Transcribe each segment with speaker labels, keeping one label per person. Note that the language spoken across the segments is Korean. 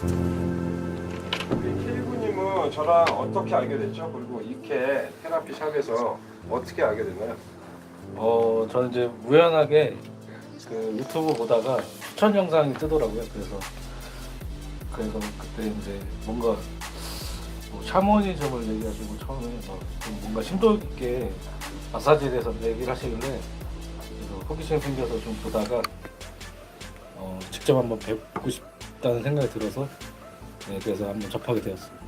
Speaker 1: K군님은 저랑 어떻게 알게 됐죠? 그리고 이케 테라피 샵에서 어떻게 알게 됐나요?
Speaker 2: 저는 이제 우연하게 그 유튜브 보다가 추천 영상이 뜨더라고요. 그래서 그때 이제 뭔가 뭐 샤머니즘을 얘기하시고 처음에 좀 뭔가 심도 있게 마사지에 대해서 얘기를 하시길래 그래서 호기심 생겨서 좀 보다가 직접 한번 뵙고 싶다는 생각이 들어서 네, 그래서 한번 접하게 되었습니다.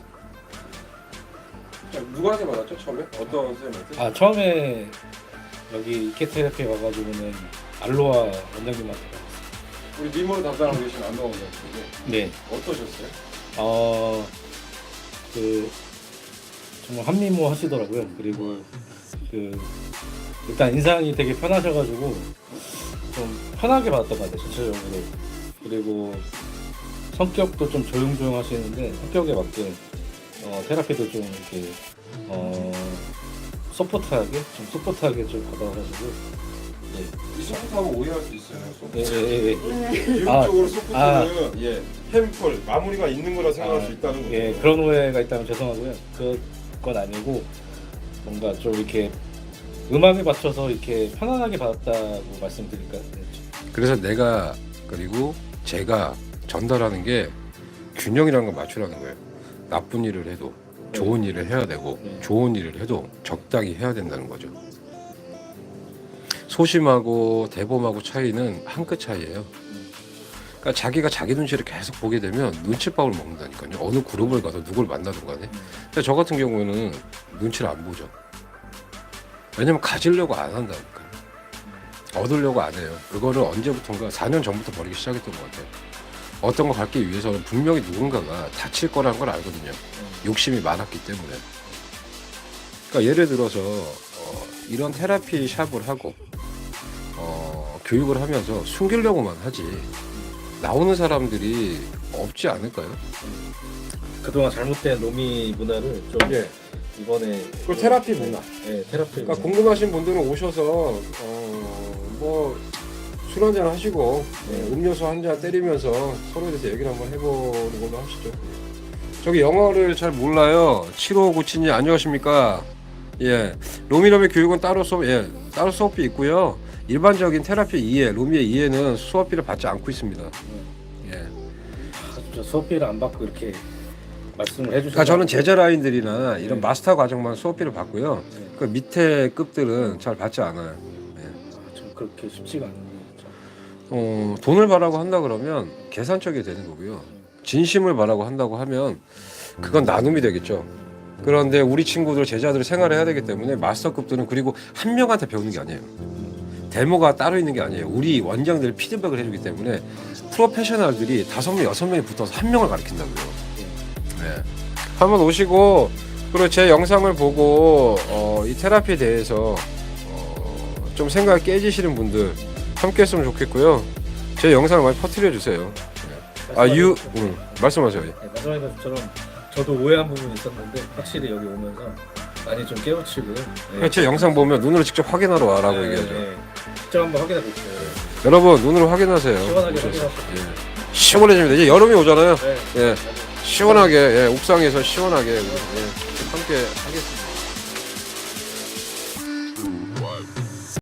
Speaker 1: 누구한테 받았죠? 처음에? 어떤 선생님한테?
Speaker 2: 처음에 여기 이케 테라피 와가지고는 알로아 원장님한테 받았어요.
Speaker 1: 우리 님으로 담당하고 계신 안동원 원장님
Speaker 2: 네.
Speaker 1: 어떠셨어요?
Speaker 2: 그 정말 한미모 하시더라고요. 그리고 그 일단 인상이 되게 편하셔가지고 좀 편하게 받았던 것 같아요, 전체적으로. 그리고 성격도 좀 조용조용 하시는데 성격에 맞게 테라피도 좀 이렇게 소프트하게 좀 받아가지고
Speaker 1: 이 소프트하면 오해할 수 있어요. 소프트.
Speaker 2: 예.
Speaker 1: 교육적으로 소프트는 예, 햄플 마무리가 있는 거라 생각할 수 있다는 거죠.
Speaker 2: 예, 그런 오해가 있다면 죄송하고요. 그건 아니고 뭔가 좀 이렇게 음악에 맞춰서 이렇게 편안하게 받았다고 말씀드릴까요?
Speaker 3: 그래서 내가 그리고 제가 전달하는 게 균형이라는 걸 맞추라는 거예요. 나쁜 일을 해도 좋은 일을 해야 되고 좋은 일을 해도 적당히 해야 된다는 거죠. 소심하고 대범하고 차이는 한 끗 차이예요. 그러니까 자기가 자기 눈치를 계속 보게 되면 눈칫밥을 먹는다니까요. 어느 그룹을 가서 누굴 만나든 간에. 근데 저 같은 경우에는 눈치를 안 보죠. 왜냐면 가지려고 안 한다니까요. 얻으려고 안 해요. 그거를 언제부턴가 4년 전부터 버리기 시작했던 것 같아요. 어떤 거 갖기 위해서는 분명히 누군가가 다칠 거라는 걸 알거든요. 욕심이 많았기 때문에. 그러니까 예를 들어서 이런 테라피 샵을 하고 교육을 하면서 숨기려고만 하지 나오는 사람들이 없지 않을까요?
Speaker 2: 그동안 잘못된 로미 문화를 좀
Speaker 1: 예.
Speaker 2: 이번에
Speaker 1: 그 테라피 문화.
Speaker 2: 네, 테라피.
Speaker 1: 그러니까 궁금하신 분들은 오셔서 뭐 술 한잔 하시고 음료수 한 잔 때리면서 서로에 대해서 얘기를 한번 해보는 걸로 하시죠. 저기 영어를 잘 몰라요. 7597님 안녕하십니까? 예, 로미럼의 교육은 따로 수업비 있고요. 일반적인 테라피 이해, 로미의 이해는 수업비를 받지 않고 있습니다. 예.
Speaker 2: 진짜 수업비를 안 받고 이렇게 말씀을 해주셔서
Speaker 1: 그러니까 저는 제자 라인들이나 이런
Speaker 2: 네.
Speaker 1: 마스터 과정만 수업비를 받고요.
Speaker 2: 네.
Speaker 1: 그 밑에 급들은 잘 받지 않아요.
Speaker 2: 좀 그렇게 쉽지가 않은데
Speaker 1: 돈을 바라고 한다 그러면 계산적이 되는 거고요. 진심을 바라고 한다고 하면 그건 나눔이 되겠죠. 그런데 우리 친구들 제자들 생활을 해야 되기 때문에 마스터급들은 그리고 한 명한테 배우는 게 아니에요. 데모가 따로 있는 게 아니에요. 우리 원장들 피드백을 해주기 때문에 프로페셔널들이 5명, 6명이 붙어서 한 명을 가르친다고요. 네. 한번 오시고 그리고 제 영상을 보고 이 테라피에 대해서 좀 생각 깨지시는 분들 함께 했으면 좋겠고요. 제 영상을 많이 퍼뜨려 주세요. 말씀하세요.
Speaker 2: 말씀하신 것처럼 저도 오해한 부분이 있었는데 확실히 여기 오면서 많이 좀 깨우치고요. 네.
Speaker 1: 제 영상 보면 눈으로 직접 확인하러 와라고 얘기하죠.
Speaker 2: 직접 한번 확인해 보세요.
Speaker 1: 여러분 눈으로 확인하세요.
Speaker 2: 시원하게
Speaker 1: 오셔서.
Speaker 2: 확인하세요.
Speaker 1: 시원해집니다. 이제 여름이 오잖아요.
Speaker 2: 네.
Speaker 1: 예, 시원하게 옥상에서 시원하게 우리 함께 하겠습니다.